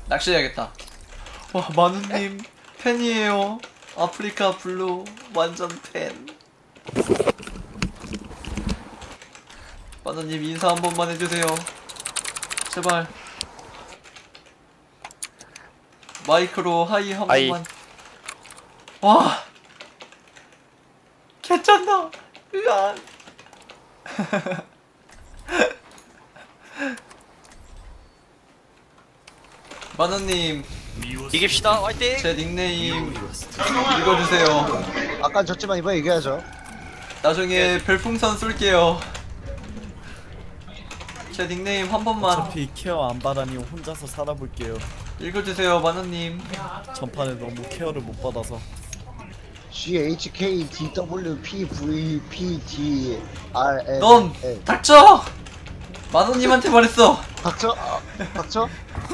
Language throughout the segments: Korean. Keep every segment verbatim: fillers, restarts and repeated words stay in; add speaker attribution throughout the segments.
Speaker 1: 낚시해야겠다. 와 마누님 팬이에요. 아프리카 블루 완전 팬. 마누님 인사 한 번만 해주세요. 제발. 마이크로 하이 한
Speaker 2: 하이.
Speaker 1: 번만. 와 개쩐다. 으아. 마누님
Speaker 2: 이깁시다. 화이팅.
Speaker 1: 제 닉네임 읽어주세요.
Speaker 3: 아까 졌지만 이번에 이겨야죠.
Speaker 1: 나중에 별풍선 쏠게요. 제 닉네임 한 번만
Speaker 4: 어차피 케어 안 받아니 혼자서 살아볼게요.
Speaker 1: 읽어주세요 마누님.
Speaker 4: 전판에 너무 케어를 못 받아서.
Speaker 3: G H K D W P V P D R N
Speaker 1: 넌
Speaker 3: L.
Speaker 1: 닥쳐! 마누님한테 말했어.
Speaker 3: 닥쳐? 아, 닥쳐?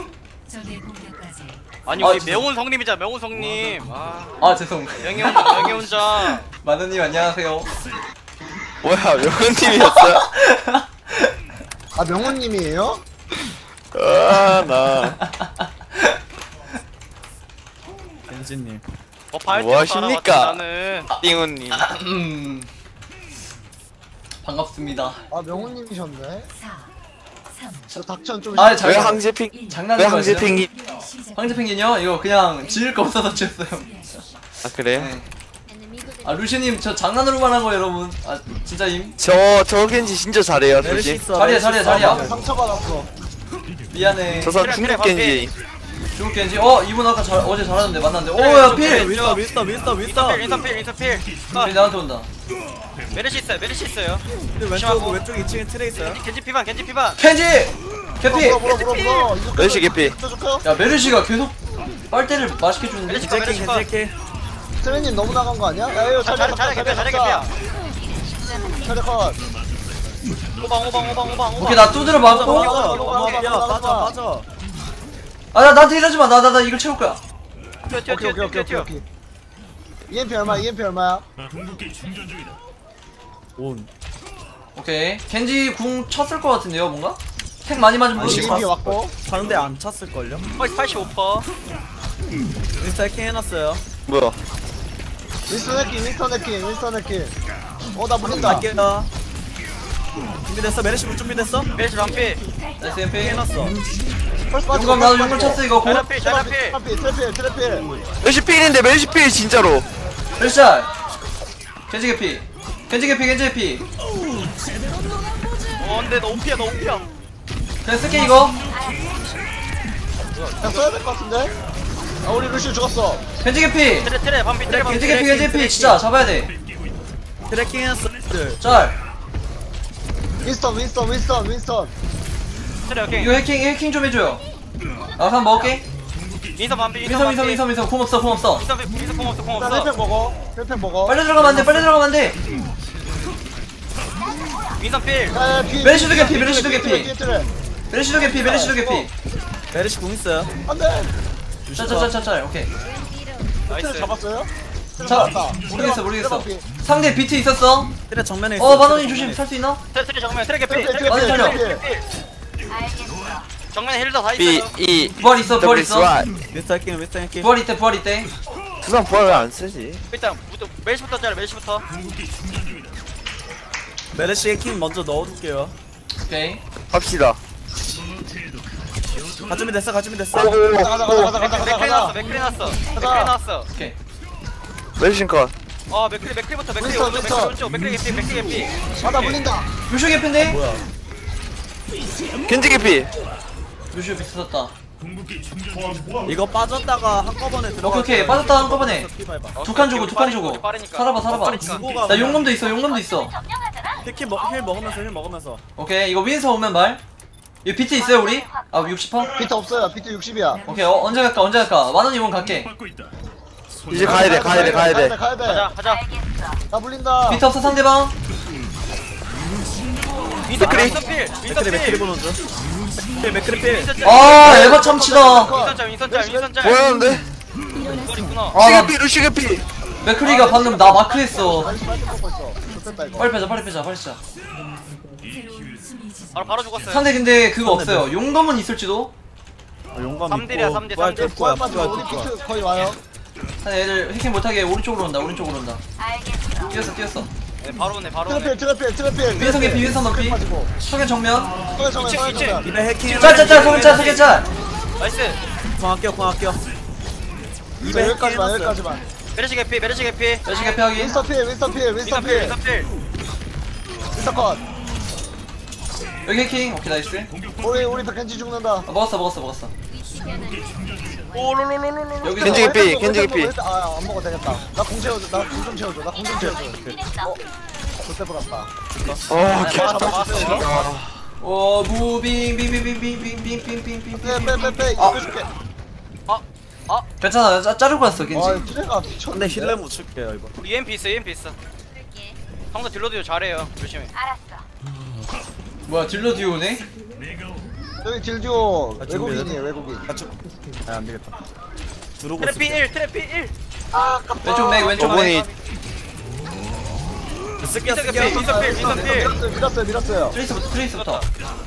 Speaker 2: 아니
Speaker 1: 아,
Speaker 2: 우리
Speaker 1: 죄송-
Speaker 2: 명훈 성님이자 명훈 성님. 아
Speaker 1: 아 죄송.
Speaker 2: 명예 혼자 명예 혼자.
Speaker 1: 마누님 안녕하세요.
Speaker 5: 뭐야 명훈님이었어요?
Speaker 3: 아 명훈님이에요?
Speaker 5: 아나
Speaker 4: 겐지님.
Speaker 2: 어 발표
Speaker 5: 뭐 하십니까?
Speaker 2: 나는.
Speaker 5: 띵훈님
Speaker 1: 음. 반갑습니다.
Speaker 3: 아 명훈님이셨네. 저 닥쳐는 좀.
Speaker 1: 아,
Speaker 5: 왜
Speaker 1: 잘-
Speaker 5: 항제핑 왜
Speaker 1: 장난인 거 같아요.
Speaker 5: 항제핑이
Speaker 1: 황제펭귄이요? 이거 그냥 지을 거 없어서 지었어요.
Speaker 5: 아 그래요?
Speaker 1: 네. 아 루시님 저 장난으로만 한 거 여러분. 아 진짜임?
Speaker 5: 저 저 겐지 진짜 잘해요
Speaker 4: 메르시
Speaker 5: 솔직히
Speaker 4: 있어.
Speaker 1: 자리야,
Speaker 4: 메르시
Speaker 1: 자리야,
Speaker 4: 있어.
Speaker 1: 자리야.
Speaker 3: 상처받았어.
Speaker 1: 미안해.
Speaker 5: 저 사람
Speaker 2: 그래,
Speaker 5: 중국
Speaker 2: 그래,
Speaker 5: 겐지
Speaker 1: 중국 겐지. 어 이분 아까 잘, 어제 잘하는데 만났는데.
Speaker 2: 그래,
Speaker 1: 오야
Speaker 2: 좀
Speaker 1: 필.
Speaker 2: 그래.
Speaker 4: 윈스터 윈스터 윈스터 윈스터.
Speaker 2: 인터필 인터필 인터필.
Speaker 1: 필 나한테 온다.
Speaker 2: 메르시 있어요. 메르시 있어요.
Speaker 4: 근데 왼쪽
Speaker 2: 조심하고.
Speaker 4: 왼쪽 이 층에 트레 있어요.
Speaker 2: 겐지 피반 겐지 피반.
Speaker 1: 켄지. 개피.
Speaker 3: 물어 물어 물어 물어. 이거
Speaker 5: 메르시 개피.
Speaker 3: 껴줄까요?
Speaker 1: 야 메르시가 계속 빨대를 맛있게 주는데.
Speaker 2: 메르시
Speaker 4: 겐지
Speaker 2: 메르시
Speaker 4: 겐지 겐지.
Speaker 3: 트레님 너무 나간 거 아니야? 야 이거
Speaker 2: 잘해 잘해 개피야 잘해 개피야.
Speaker 3: 차례 컷.
Speaker 2: 오방 오방 오방 오방 오방.
Speaker 1: 오케이 나 두드려
Speaker 4: 빠져
Speaker 1: 맞고.
Speaker 4: 빠져 넘어가 빠져 빠져.
Speaker 1: 아나 나한테 이러지 마. 나 나 나 이걸 채울 거야.
Speaker 2: 뛰어 뛰어
Speaker 3: 오케이
Speaker 2: 뛰어
Speaker 3: 오케이
Speaker 2: 뛰어
Speaker 3: 오케이
Speaker 2: 뛰어.
Speaker 3: 오케이. 이엠피 얼마? 이엠피 얼마야?
Speaker 4: 온.
Speaker 1: 오케이. 겐지 궁 쳤을 것 같은데요 뭔가? 탱 많이 맞으면
Speaker 4: 아니,
Speaker 1: 무시.
Speaker 3: 이엠피 왔고.
Speaker 4: 상대 안 찼을 걸요?
Speaker 2: 거의 팔십오 퍼센트.
Speaker 4: 윈스터 해킹 해놨어요.
Speaker 5: 뭐야
Speaker 3: 윈스턴 해킹 윈스턴 해킹 윈스턴 해킹. 어나 물린다.
Speaker 4: 갈게요. 준비됐어? 메르시 볼 준비됐어?
Speaker 2: 메르시 반피.
Speaker 1: 나이스 엠피.
Speaker 4: 해놨어.
Speaker 1: 용감 나도 용감 쳤어 이거. 고.
Speaker 2: 잘라필 잘라필.
Speaker 3: 트래필 트래필 트래필.
Speaker 5: 메르시 필인데 메르시 필 진짜로
Speaker 1: 헬샷. 겐지 개피. 겐지 개피 겐지 개피.
Speaker 2: 어 근데 너 오피야 너 오피야.
Speaker 1: 그냥 쓸게 이거.
Speaker 3: 야 써야 될 것 같은데? 아 우리 루시 죽었어.
Speaker 1: 겐지 개피.
Speaker 2: 트레 트레 반피 트레 반피.
Speaker 1: 겐지 개피 겐지 개피 진짜 잡아야 돼.
Speaker 4: 트래킹 해놨어.
Speaker 1: 짤.
Speaker 3: 윈스턴 윈스턴 윈스턴 윈스턴.
Speaker 2: 트레 오케이.
Speaker 1: 이거 해킹 해킹 좀 해줘요. 나 한번 먹을게.
Speaker 2: 민서 반피
Speaker 1: 민서 민서 민서 민서 공 없어 공 없어.
Speaker 2: 민서 민서 공 없어 공
Speaker 3: 일단
Speaker 2: 없어.
Speaker 3: 힐팩 먹어. 힐팩 먹어.
Speaker 1: 빨리 들어가면 안 돼. 빨리 들어가면 안 돼.
Speaker 2: 민서 필.
Speaker 3: 야야 뒤에.
Speaker 1: 메르시도
Speaker 3: 뒤에,
Speaker 1: 개피,
Speaker 3: 뒤에,
Speaker 1: 메르시도
Speaker 3: 뒤에,
Speaker 1: 개피.
Speaker 3: 뒤에 트레.
Speaker 1: 메르시도 개피 메르시도 개피.
Speaker 4: 메르시 공 있어요.
Speaker 3: 안돼.
Speaker 1: 짤짤짤짤 오케이.
Speaker 3: 트레
Speaker 2: 나이스.
Speaker 3: 잡았어요? 트레
Speaker 1: 자
Speaker 3: 잡았다.
Speaker 1: 모르겠어 모르겠어.
Speaker 3: 트레 잡기.
Speaker 1: 상대 비트 있었어.
Speaker 4: 트레 정면에 있어.
Speaker 1: 어 마노님 조심 살 수 있나?
Speaker 2: 트레 트레 정면 트레 개피.
Speaker 3: 트레
Speaker 2: 트레
Speaker 3: 트레
Speaker 1: 많이
Speaker 2: 개피.
Speaker 1: 살려.
Speaker 3: 트레
Speaker 2: 트레
Speaker 3: 트레.
Speaker 2: 개피. 정면에 힐러 다
Speaker 5: B
Speaker 2: 있어요.
Speaker 5: E
Speaker 1: 부활 있어 부활
Speaker 5: W
Speaker 1: 있어.
Speaker 5: Y
Speaker 4: 윈스터 해킹 윈스터 해킹.
Speaker 1: 부활 이때 부활 이때.
Speaker 5: 그 사람 부활 안 쓰지
Speaker 2: 일단 무조 멜시부터 짜라 멜시부터.
Speaker 4: 메르시 해킹 먼저 넣어둘게요.
Speaker 1: 오케이.
Speaker 5: 합시다
Speaker 4: 가 준비됐어 가 준비됐어.
Speaker 3: 가자 가자 가자 가자 가자
Speaker 2: 맥크리
Speaker 3: 가자.
Speaker 2: 나왔어 맥크리 나왔어. 맥크리 나왔어.
Speaker 1: 오케이.
Speaker 5: 메르시 컷
Speaker 2: 어 맥크리 맥크리부터 맥크리
Speaker 3: 윈스턴,
Speaker 2: 오른쪽 맥크리
Speaker 3: 윈스턴.
Speaker 2: 오른쪽 맥크리 개피 맥크리 개피.
Speaker 3: 아나 물린다.
Speaker 1: 루슈 개피인데?
Speaker 4: 뭐야?
Speaker 5: 겐지 개피
Speaker 1: 루슈 비트 썼다.
Speaker 4: 이거 빠졌다가 한꺼번에 들어가.
Speaker 1: 오케이 오케이 빠졌다 한꺼번에. 두 칸 주고 두 칸 주고.
Speaker 2: 어, 빠르니까.
Speaker 1: 살아봐 살아봐.
Speaker 2: 빠르니까.
Speaker 4: 주고가
Speaker 1: 나 용검도 있어 용검도 있어.
Speaker 4: 힐 먹, 힐 먹으면서 힐 먹으면서.
Speaker 1: 오케이 이거 윈서 오면 말. 이거 비트 있어요 우리? 아 육십 퍼센트?
Speaker 3: 비트 없어요. 비트 육십이야.
Speaker 1: 오케이 어, 언제 갈까 언제 갈까 만원 이번 갈게.
Speaker 5: 이제 가야 돼 가야 돼 가야 돼
Speaker 3: 가야 돼.
Speaker 2: 가자 가자.
Speaker 3: 나 물린다.
Speaker 1: 비트 없어 상대방.
Speaker 2: 민서 필
Speaker 5: 맥크리.
Speaker 2: 민서 필 민서
Speaker 4: 맥크리 맥크리
Speaker 2: 필.
Speaker 4: 보는 중. 필 맥크리 필.
Speaker 2: 민서 짤.
Speaker 1: 아 에바 참치다.
Speaker 2: 민서 짤 민서 짤 민서 짤.
Speaker 5: 뭐였는데
Speaker 2: 이걸 있구나.
Speaker 1: 아 나
Speaker 5: 루시 개피 루시 개피
Speaker 1: 맥크리가 방금 나 마크했어.
Speaker 3: 빨리 빨리 먹고 있어. 좋겠다 이거.
Speaker 1: 빨리 빼자 빨리 빼자 빨리 빼자.
Speaker 2: 바로 바로 죽었어요.
Speaker 1: 상대 근데 그거
Speaker 4: 상대
Speaker 1: 없어요. 용검은 있을지도.
Speaker 4: 어, 용감
Speaker 2: 삼 딜이야,
Speaker 4: 있고
Speaker 2: 삼 딜,
Speaker 4: 부활
Speaker 2: 삼 딜.
Speaker 4: 될 거야
Speaker 3: 부활 빠지고
Speaker 4: 부활
Speaker 3: 우리
Speaker 4: 될 거야
Speaker 3: 비트 거의 와요.
Speaker 1: 한 애들 해킹 못하게 오른쪽으로 온다 오른쪽으로 온다 뛰었어 뛰었어
Speaker 2: 네, 바로 오네 바로 오네.
Speaker 3: 트래필 트래필 트래필.
Speaker 1: 위에서 개피 위에서 높이
Speaker 3: 빠지고.
Speaker 1: 석연 정면
Speaker 3: 서해 정면 서해
Speaker 2: 이층,
Speaker 3: 정면.
Speaker 4: 입에 해킹
Speaker 1: 짤짤짤 석연 짤 석연 짤
Speaker 2: 나이스.
Speaker 4: 공학교 공학교
Speaker 3: 이제 여기까지만 여기까지만.
Speaker 2: 메르시 개피 메르시 개피.
Speaker 1: 열심히 개피 확인
Speaker 3: 윈스턴 필 윈스턴 필 윈스턴
Speaker 2: 윈선 필
Speaker 3: 필.
Speaker 2: 윈선 필.
Speaker 3: 윈스턴 컷.
Speaker 1: 여기 해킹 오케이 나이스
Speaker 3: 우리 우리 백현지 죽는다.
Speaker 1: 아, 먹었어 먹었어 먹었어
Speaker 2: 오로로로로로.
Speaker 1: 여기서
Speaker 5: 겐지 개피, 겐지 개피.
Speaker 3: 아안 먹어도 되겠다. 나 공 채워줘. 나 공 좀 채워줘. 나 공 좀 채워줘. 어. 그때 보았다.
Speaker 5: 어
Speaker 2: 네,
Speaker 5: 개.
Speaker 2: 맞았어 맞았어.
Speaker 1: 오 무빙 빙빙빙빙빙빙빙빙빙
Speaker 3: 빼빼빼빼
Speaker 1: 아.
Speaker 3: 이거 해줄게.
Speaker 1: 괜찮아 짜, 자르고 왔어
Speaker 3: 아
Speaker 1: 겐지
Speaker 3: 트레가
Speaker 4: 근데
Speaker 3: 미쳤네.
Speaker 4: 힐레 못 칠게요 이거
Speaker 2: 우리 이엠피 있어 이엠피 있어. 형도 딜러도 잘해요. 조심해.
Speaker 1: 뭐야 딜러 뒤에 오네?
Speaker 3: 여기 딜듀오
Speaker 4: 아,
Speaker 3: 외국인이에요 외국인.
Speaker 4: 같이 아 안되겠다 들어오고
Speaker 2: 트래피
Speaker 4: 있을게
Speaker 2: 일 트래피 일.
Speaker 1: 왼쪽 맥 왼쪽 맥
Speaker 5: 오분이
Speaker 4: 쓸게요
Speaker 2: 윈선
Speaker 4: 쓸게요
Speaker 2: 개피 윈선 필 윈선 필.
Speaker 3: 밀었어요 밀었어요 밀었어요.
Speaker 1: 트레이스부터 트레이스부터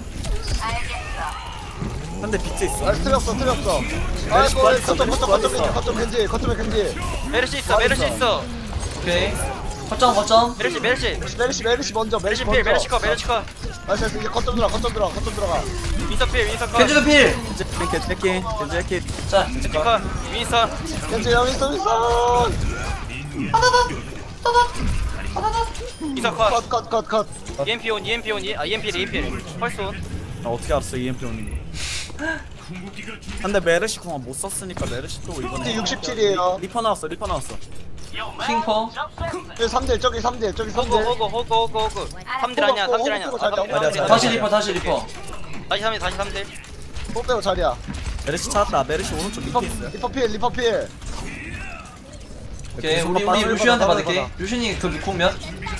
Speaker 4: 근데 비트 있어
Speaker 3: 아 틀렸어 틀렸어. 아이고
Speaker 4: 부활했어,
Speaker 3: 거점 거점 거점
Speaker 4: 부활했어.
Speaker 3: 거점 겐지 거점에 겐지.
Speaker 2: 메르시 있어 메르시 있어.
Speaker 1: 오케이 거점 거점
Speaker 2: 메르시 메르시.
Speaker 3: 메르시 메르시 먼저 메르시
Speaker 2: 메르시 필
Speaker 3: 먼저.
Speaker 2: 메르시 컷 메르시 컷.
Speaker 3: 나이스 나이스. 이제 거점 들어가 거점 들어가 거점 들어가.
Speaker 2: 윈선 필 윈선 컷.
Speaker 1: 겐지도 필!
Speaker 4: 겐지 겐지 해킹 겐지 해킹
Speaker 1: 자
Speaker 2: 겐지 컷. 윈선.
Speaker 3: 겐지 여기 있어 윈선.
Speaker 2: 윈선 컷.
Speaker 3: 컷컷컷컷.
Speaker 2: 이엠피 온 이엠피 온 이- 아 이엠피 이엠피. 펄스 온.
Speaker 4: 아 어떻게 알았어 이엠피 오는 거 근데 메르시 공항 못 썼으니까 메르시 또 이번에
Speaker 3: 이제 육십칠이에요.
Speaker 4: 리퍼 나왔어 리퍼 나왔어
Speaker 1: 킹퍼
Speaker 3: 여기 삼 대 저기 삼 대 저기 삼
Speaker 2: 호그
Speaker 3: 대.
Speaker 2: 호그 호그 호그 호그. 삼 딜 아니야 삼 딜 아니야.
Speaker 3: 호그 호그
Speaker 2: 삼 딜,
Speaker 3: 호그
Speaker 2: 삼 딜.
Speaker 1: 다시 리퍼 다시 리퍼
Speaker 2: 다시 삼 딜 다시 삼 딜.
Speaker 3: 또 빼고 자리야.
Speaker 4: 메르시 찾았다 메르시 오른쪽
Speaker 3: 리퍼
Speaker 4: 밑에 있어요
Speaker 3: 리퍼 필 리퍼 필.
Speaker 1: 오케이 우리
Speaker 3: 받아,
Speaker 1: 우리 루시한테
Speaker 3: 받아,
Speaker 1: 받을게
Speaker 3: 받아.
Speaker 1: 루시니 그 공면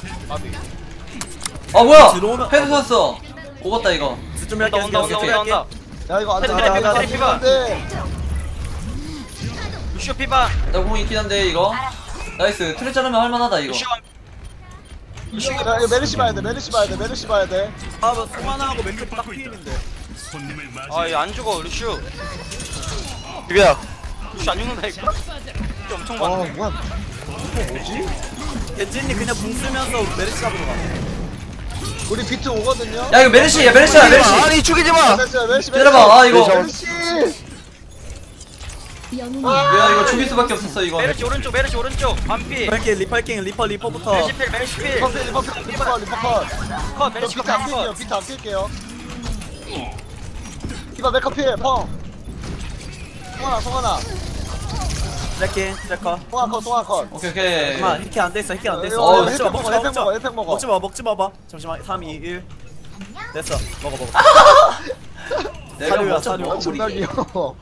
Speaker 1: 아 뭐야
Speaker 4: 들어오면-
Speaker 1: 패드 샀어 오갔다 이거
Speaker 4: 좀 할게
Speaker 2: 온다 온다 온다 온다.
Speaker 3: 야 이거 안돼
Speaker 2: 테레, 테레, 테레, 피바.
Speaker 3: 안돼.
Speaker 2: 루시오 피바.
Speaker 1: 나 공 있긴 한데 이거 나이스 트레 자르면 할만하다 이거
Speaker 2: 루시오.
Speaker 3: 야 이거 메르시 봐야 돼 메르시 봐야 돼 메르시 봐야 돼.
Speaker 4: 아 송하나하고 왼쪽 딱 피일인데
Speaker 2: 아얘안 죽어 루시오.
Speaker 5: 비벼.
Speaker 2: 루시오 안 죽는다 이거. 루시오 엄청
Speaker 3: 아
Speaker 2: 많네.
Speaker 3: 뭐야 이거 뭐지?
Speaker 4: 겐지님 그냥 궁 쓰면서 메르시 잡으러 가
Speaker 3: 우리 비트 오거든요.
Speaker 1: 야 이거 메르시 야 메르시야 메르시
Speaker 5: 아니 죽이지 마.
Speaker 3: 됐어요 메르시 메르시.
Speaker 1: 때려봐 아 이거
Speaker 3: 메르시.
Speaker 1: 야 이거 죽일 수밖에 없었어 이거
Speaker 2: 메르시 오른쪽 메르시 오른쪽. 반피.
Speaker 4: 리퍼 할게 리퍼 할게 리퍼 리퍼부터
Speaker 2: 메르시 필 메르시 필.
Speaker 3: 리퍼 필 리퍼 필 리퍼 컷 리퍼 컷.
Speaker 2: 컷
Speaker 3: 저
Speaker 2: 메르시
Speaker 3: 비트 안
Speaker 2: 컷.
Speaker 3: 낄게요 비트 안 낄게요. 이봐 메커 필 펑. 송하나 송하나
Speaker 4: 할게 트래커
Speaker 3: 송하 컷 송하 컷.
Speaker 1: 오케이 오케이
Speaker 4: 잠깐만 해킹 안 돼있어 해킹 안 돼있어
Speaker 3: 어,
Speaker 4: 먹지 마
Speaker 3: 헬팩 먹어,
Speaker 4: 먹지 마
Speaker 3: 헬팩 먹어, 헬팩 먹어.
Speaker 4: 먹지 마 먹지 마봐 잠시만 삼, 이, 일 됐어 먹어 먹어
Speaker 1: 내가
Speaker 4: 사료야,
Speaker 1: 먼저
Speaker 4: 사료.
Speaker 3: 아 존나
Speaker 1: 먹어버리게
Speaker 3: 귀여워.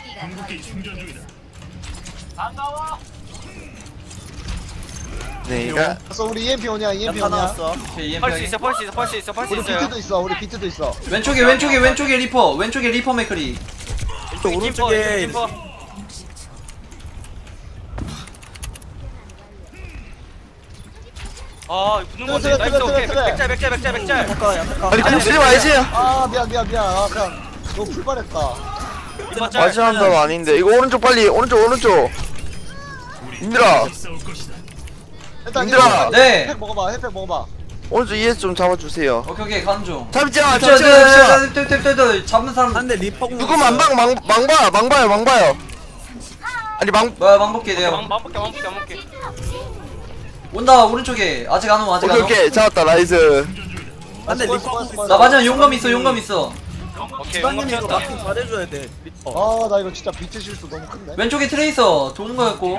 Speaker 5: 내가
Speaker 3: 그래서 우리 이엠피 오냐 이엠피
Speaker 4: 야타
Speaker 3: 오냐.
Speaker 4: 나왔어
Speaker 1: 오케이 이엠피
Speaker 2: 펄스
Speaker 1: 확인.
Speaker 2: 있어 펄스 있어 펄스 있어 펄스
Speaker 3: 우리
Speaker 2: 있어요.
Speaker 3: 비트도 있어 우리 비트도 있어.
Speaker 1: 왼쪽에 왼쪽에 왼쪽에 리퍼 왼쪽에 리퍼 메크리
Speaker 4: 또
Speaker 2: 왼쪽에
Speaker 4: 오른쪽에
Speaker 2: 김퍼. 아 붙는 거
Speaker 3: 트레,
Speaker 2: 같아.
Speaker 3: 트레,
Speaker 2: 나이스
Speaker 3: 트레,
Speaker 2: 오케이.
Speaker 3: 트레.
Speaker 2: 백짤 백짤 백짤 백짤.
Speaker 4: 야타카 야타카
Speaker 5: 아니 궁 쓰지 말지.
Speaker 3: 아 미안 미안 미안. 아 그냥 너무 불발했다.
Speaker 2: 이거 짤.
Speaker 5: 마지막 건 아닌데 이거 오른쪽 빨리 오른쪽 오른쪽. 인들아
Speaker 3: 일단
Speaker 5: 얘들아.
Speaker 1: 네.
Speaker 3: 핵 먹어봐 핵팩 먹어봐.
Speaker 5: 오른쪽 이에스 좀 잡아주세요.
Speaker 1: 오케이 오케이 가는 중
Speaker 5: 잡지 마
Speaker 1: 저,
Speaker 5: 잡지
Speaker 1: 저,
Speaker 5: 마
Speaker 1: 저,
Speaker 5: 잡지 마.
Speaker 1: 저, 저, 저, 저, 잡는 사람
Speaker 4: 한대 리퍼 공
Speaker 5: 누구 망방 망 망봐 망봐요 망봐요. 아니 망
Speaker 1: 뭐야 망볼게 내가
Speaker 2: 왕 왕볼게 왕볼게 왕볼게.
Speaker 1: 온다 오른쪽에 아직 안 오 아직
Speaker 5: 오케이
Speaker 1: 안 오
Speaker 5: 오케이 잡았다 나이스.
Speaker 4: 한대
Speaker 3: 수고,
Speaker 4: 리퍼
Speaker 3: 수고,
Speaker 4: 공
Speaker 3: 수고.
Speaker 1: 나 마지막 용감 있어 용감 있어
Speaker 2: 오케이 왕검
Speaker 4: 주방님이 이거
Speaker 2: 튀었다.
Speaker 4: 마킹 잘해줘야 돼 리퍼
Speaker 3: 아나 이거 진짜 비트 실수 너무 큰데.
Speaker 1: 왼쪽에 트레이서 도는 거였고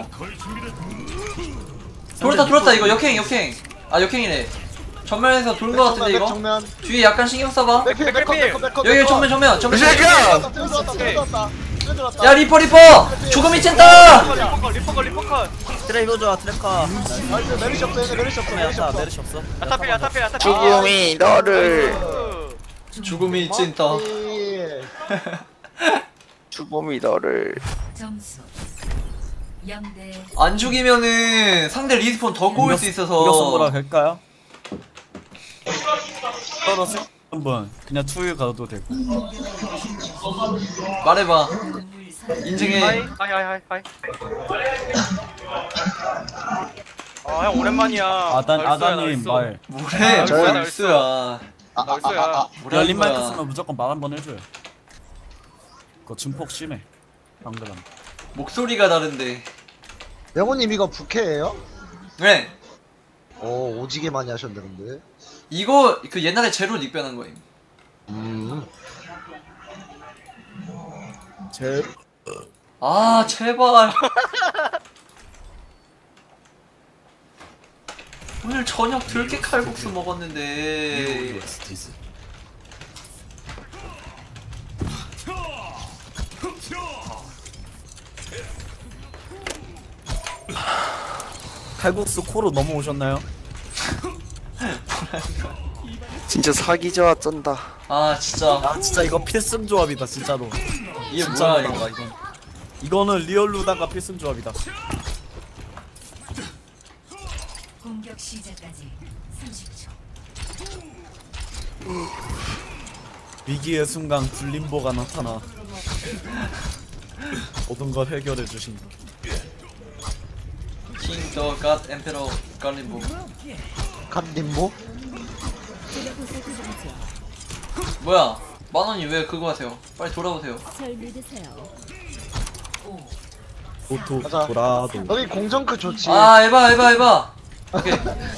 Speaker 1: 돌았다 돌았다 이거 역행 역행 아 역행이네 전면에서 도는 거 같은데 이거
Speaker 3: 정면.
Speaker 1: 뒤에 약간 신경 써봐
Speaker 3: 맥필 맥커 맥커 맥커.
Speaker 1: 여기 정면 정면 정면
Speaker 5: 이 새끼야!
Speaker 3: 들어왔다 들어왔다 들어왔다.
Speaker 1: 야 리퍼 리퍼 죽음이 쨘다
Speaker 2: 리퍼 리퍼 리퍼 컷.
Speaker 4: 트레 이거줘 트래커
Speaker 3: 나이스 메르시 없어 얘네 메르시 없어 메르시
Speaker 4: 야타
Speaker 3: 없어.
Speaker 4: 메르시 없어
Speaker 2: 야타필 야타필 야타필.
Speaker 5: 죽음이 너를
Speaker 1: 죽음이 쨘다
Speaker 3: 예.
Speaker 5: 죽음이 너를.
Speaker 6: 점수 영 대
Speaker 1: 안 죽이면은 상대 리스폰 더 꼬일 수
Speaker 4: 공격 선거라
Speaker 1: 있어서
Speaker 4: 할까요? 떨어지 한번 그냥 투유 가도 되고.
Speaker 1: 말해봐.
Speaker 6: 공물 선
Speaker 1: 인증해.
Speaker 2: 하이 하이 하이 하이 하이. 아 형 오랜만이야.
Speaker 4: 아단
Speaker 2: 나 울쏘야, 나
Speaker 4: 아단님
Speaker 2: 울쏘.
Speaker 4: 말.
Speaker 1: 뭐래?
Speaker 2: 아,
Speaker 1: 뭐야
Speaker 2: 나
Speaker 1: 울수야.
Speaker 3: 아, 아,
Speaker 2: 나 울쏘야.
Speaker 3: 아, 아,
Speaker 1: 뭐라
Speaker 4: 열린 마이크
Speaker 1: 거야.
Speaker 4: 쓰면 무조건 말 한번 해줘요. 그거 증폭 심해. 방금.
Speaker 1: 목소리가 다른데.
Speaker 3: 명호님 이거 부캐예요?
Speaker 1: 네.
Speaker 3: 오 오지게 많이 하셨는데.
Speaker 1: 이거 그 옛날에 제로 닉변한 거임.
Speaker 3: 음.
Speaker 4: 제
Speaker 1: 아 제발. 오늘 저녁 들깨 칼국수 먹었는데.
Speaker 4: 칼국수 코로 넘어오셨나요?
Speaker 5: 진짜 사기자 쩐다.
Speaker 1: 아 진짜
Speaker 4: 아 진짜 이거 필승 조합이다 진짜로.
Speaker 1: 이게
Speaker 4: 진짜
Speaker 1: 뭐야
Speaker 4: 루다가
Speaker 1: 이거.
Speaker 4: 이건. 이거는 리얼 루다가 필승 조합이다.
Speaker 6: 공격 시작까지 삼십 초.
Speaker 4: 위기의 순간 굴림보가 나타나 모든 걸 해결해 주신다.
Speaker 1: 킹더 갓 엠페러 갈림보.
Speaker 3: 갓님모?
Speaker 1: 뭐야? 만원이 왜 그거 하세요? 빨리 돌아오세요.
Speaker 4: 도토
Speaker 3: 가자.
Speaker 4: 도라도.
Speaker 3: 여기 공정크 좋지.
Speaker 1: 아 에바 에바 에바. 오케이.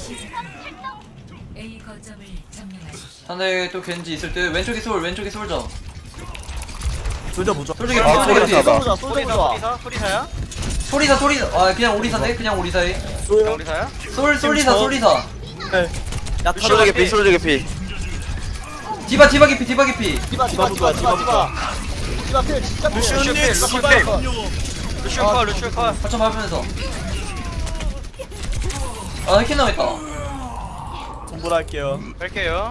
Speaker 6: A 거점을 점령하십시오.
Speaker 1: 상대 또 겐지 있을 때 왼쪽에 솔 왼쪽에 솔져.
Speaker 4: 조져 보죠.
Speaker 1: 솔직히
Speaker 5: 아,
Speaker 1: 솔직히
Speaker 5: 소리사다.
Speaker 3: 쏘자 쏘자
Speaker 2: 소리사
Speaker 3: 쏘자.
Speaker 2: 소리사 소리사야?
Speaker 1: 소리사 소리사. 아 그냥 오리사네 그냥 오리사에.
Speaker 2: 그냥 우리사야?
Speaker 1: 솔 솔리사
Speaker 4: 저-
Speaker 1: 솔리사.
Speaker 4: 네. 야
Speaker 5: 소주 개피 소주 개피.
Speaker 1: 디바 디바 기피 디바 기피.
Speaker 3: 디바 디바 디바 디바 디바. 디바 필 진짜 필.
Speaker 2: 루시오 필 루시오
Speaker 3: 디바
Speaker 2: 필
Speaker 3: 컷.
Speaker 2: 루시오 컷 루시오 컷.
Speaker 1: 거점 밟으면서. 아 해킹 나왔다.
Speaker 4: 공부할게요.
Speaker 2: 뺄게요.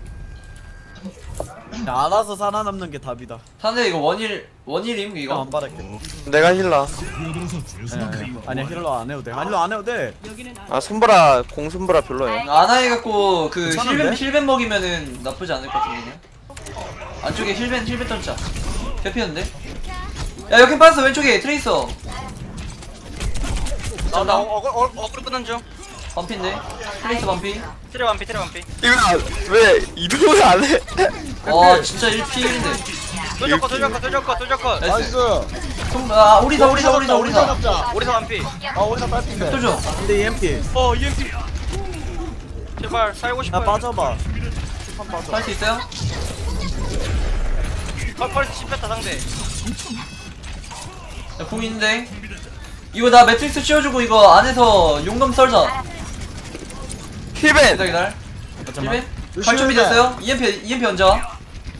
Speaker 4: 알아서 살아남는 게 답이다.
Speaker 1: 상대 이거 원일 원일임
Speaker 4: 이거
Speaker 1: 이거.
Speaker 4: 안 바랄게.
Speaker 5: 내가 힐러.
Speaker 4: 네. 아니야 힐러 안 해도 돼. 힐러 안 해도 돼.
Speaker 5: 아 손보라 공 손보라 별로예요.
Speaker 1: 아나해 갖고 그
Speaker 4: 괜찮은데?
Speaker 1: 힐벤 힐벤 먹이면은 나쁘지 않을 것 같은데. 안쪽에 힐벤 힐벤 던자. 개피였는데. 야 여기 빠졌어 왼쪽에 트레이서.
Speaker 2: 나나
Speaker 1: 나
Speaker 2: 어글 어글 어글 끄는 중.
Speaker 1: 반피인데. 트레이서 반피.
Speaker 2: 트레 완피 트레 완피.
Speaker 5: 이거 왜 이동을 안 해?
Speaker 1: 와 진짜 일 피 일인데.
Speaker 2: 뚫렸거 뚫렸거 뚫렸거 뚫렸거.
Speaker 3: 나이스.
Speaker 1: 좀, 아 오리사 오리사 오리사
Speaker 3: 오리사
Speaker 1: 오리사.
Speaker 3: 잡자.
Speaker 2: 오리사 완피.
Speaker 3: 아 오리사 빨핀데.
Speaker 1: 또 줘.
Speaker 4: 근데 이엠피.
Speaker 2: 어 이엠피. 제발 살고
Speaker 4: 야
Speaker 2: 싶어요.
Speaker 4: 빠져봐.
Speaker 1: 할 수 있어요?
Speaker 2: 펄펄 씹혔다 상대.
Speaker 1: 야, 궁 있는데. 이거 나 매트릭스 씌워주고 이거 안에서 용감 썰자.
Speaker 5: 힐벤.
Speaker 1: 기다려 기다려.
Speaker 4: 잠깐만.
Speaker 1: 힐벤? 갈 준비 됐어요? 이엠피 이엠피 언제 와?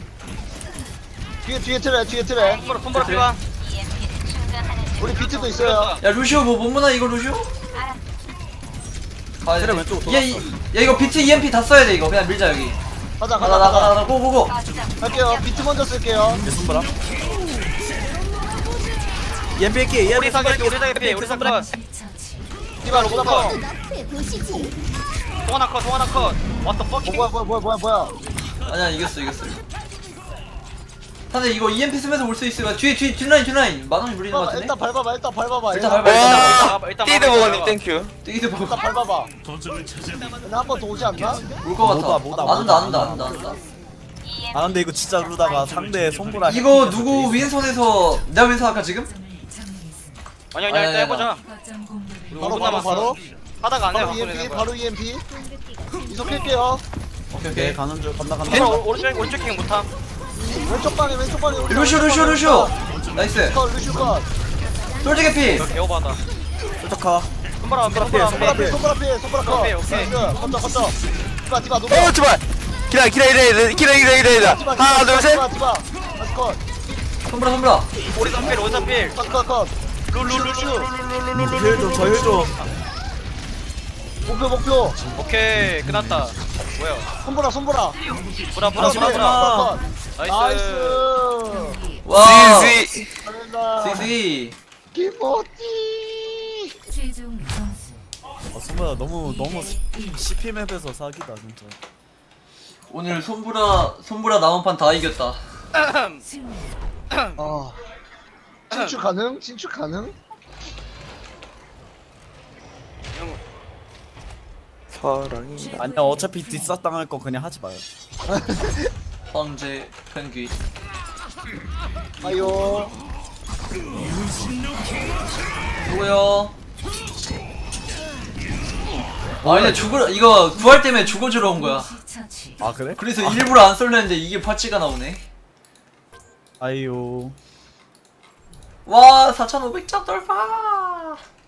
Speaker 3: 뒤에 뒤에 트레 뒤에 트레.
Speaker 2: 손보라 손보라 피와.
Speaker 3: 우리 비트도 있어요.
Speaker 1: 야 루시오 뭐 못 무나 이거 루시오? 가야
Speaker 4: 그래,
Speaker 1: 돼.
Speaker 4: 왼쪽으로
Speaker 1: 얘, 이- 야 이거 비트 이엠피 다 써야 돼 이거 그냥 밀자 여기.
Speaker 3: 가자
Speaker 1: 가자
Speaker 3: 가자
Speaker 1: 가자
Speaker 3: 가자.
Speaker 1: 가자 고고고.
Speaker 3: 갈게요. 비트 먼저 쓸게요.
Speaker 4: 내 손보라. 이엠피 할게. 이엠피
Speaker 2: 오리사 개피 오리사 개피 오리사 컷.
Speaker 6: 처치.
Speaker 3: 디바 로보다 컷.
Speaker 2: 송하나 컷 송하나 컷. What the fuck?
Speaker 3: 뭐야 뭐야 뭐야 뭐야 뭐야.
Speaker 1: 아니야 이겼어 이겼어. 근데 이거 이엠피 쓰면서 올 수 있으면 뒤에 뒤 뒷라인 뒷라인 만원이 물리는 것 같은데?
Speaker 3: 일단 밟아봐 일단 밟아봐.
Speaker 1: 일단
Speaker 3: 일단
Speaker 1: 밟아.
Speaker 5: 와.
Speaker 2: 일단
Speaker 5: 띠드
Speaker 2: 막아,
Speaker 5: 먹었님
Speaker 2: 막아.
Speaker 5: 땡큐.
Speaker 1: 뛰기도 보고
Speaker 3: 일단 밟아봐. 근데 한 번 더 오지 않나?
Speaker 1: 올것 같아.
Speaker 4: 뭐다, 뭐다,
Speaker 1: 안 온다 안 온다
Speaker 4: 뭐다.
Speaker 1: 안 온다 안 온다.
Speaker 4: 아 근데 이거 진짜 루다가 상대 손보라.
Speaker 1: 이거 누구 윈선에서 내가 윈선 할까 지금?
Speaker 6: 점을 점령했습니다.
Speaker 2: 아니 아니 일단 해보자.
Speaker 6: 거점 공격을
Speaker 3: 바로
Speaker 2: 오 분
Speaker 3: 바로
Speaker 2: 남았어.
Speaker 3: 바로.
Speaker 2: 하다가 안 해.
Speaker 3: 바로 이엠피 바로 이엠피. 이속할게요.
Speaker 1: 오케이
Speaker 4: 오케이
Speaker 1: 오케이.
Speaker 4: 가는 중 건너 가는
Speaker 1: 겐-
Speaker 4: 중.
Speaker 2: 오른쪽 오른쪽 킹 못함.
Speaker 3: 왼쪽 방에 왼쪽 방에. 우리
Speaker 1: 루슈
Speaker 3: 왼쪽
Speaker 1: 루슈
Speaker 3: 방에
Speaker 1: 루슈. 나이스.
Speaker 3: 컷 루슈 컷.
Speaker 1: 솔직히 피.
Speaker 2: 개오바다.
Speaker 4: 쫓아가.
Speaker 2: 손보라 완피 손보라
Speaker 3: 손가락
Speaker 2: 완피.
Speaker 3: 피해 손가락 피해 손가락 컷.
Speaker 2: 오케이, 오케이.
Speaker 3: 나이스. 걷자 걷자. 디바 디바 노바.
Speaker 5: 어 제발. 기다 기다 기다 기다 기다 기다 기다
Speaker 3: 디바
Speaker 5: 기다. 하나 둘 셋.
Speaker 3: 디바 디바. 나이스 컷.
Speaker 1: 손브라 손브라.
Speaker 2: 오리사 필 오리사 필.
Speaker 3: 컷 컷 컷.
Speaker 4: 힐 좀, 저 힐 좀.
Speaker 3: 목표 목표.
Speaker 2: 오케이 끝났다. 뭐야?
Speaker 3: 손보라 손보라.
Speaker 2: 보라 보라
Speaker 4: 아,
Speaker 2: 보라 보라.
Speaker 4: 아.
Speaker 2: 나이스.
Speaker 3: 나이스.
Speaker 1: 와.
Speaker 5: 지지.
Speaker 3: 잘한다.
Speaker 1: 시시.
Speaker 3: 기모티.
Speaker 6: 최종 점수
Speaker 4: 아 손보라 너무 너무 씨피 맵에서 사기다 진짜.
Speaker 1: 오늘 손브라 손브라 남은 판 다 이겼다.
Speaker 6: 승리.
Speaker 3: 아 진출 가능? 진출 가능?
Speaker 5: 사랑이.
Speaker 4: 아니야 어차피 뒷사 당할 거 그냥 하지 마요.
Speaker 1: 황제 펭귄.
Speaker 3: 아요.
Speaker 1: 누구요? 아 근데 죽으러 이거 구할 때문에 죽어주러 온 거야.
Speaker 6: 처치.
Speaker 4: 아 그래?
Speaker 1: 그래서 일부러 안 쏠렸는데 이게 파츠가 나오네.
Speaker 4: 아이요.
Speaker 1: 와 사천오백 점 돌파.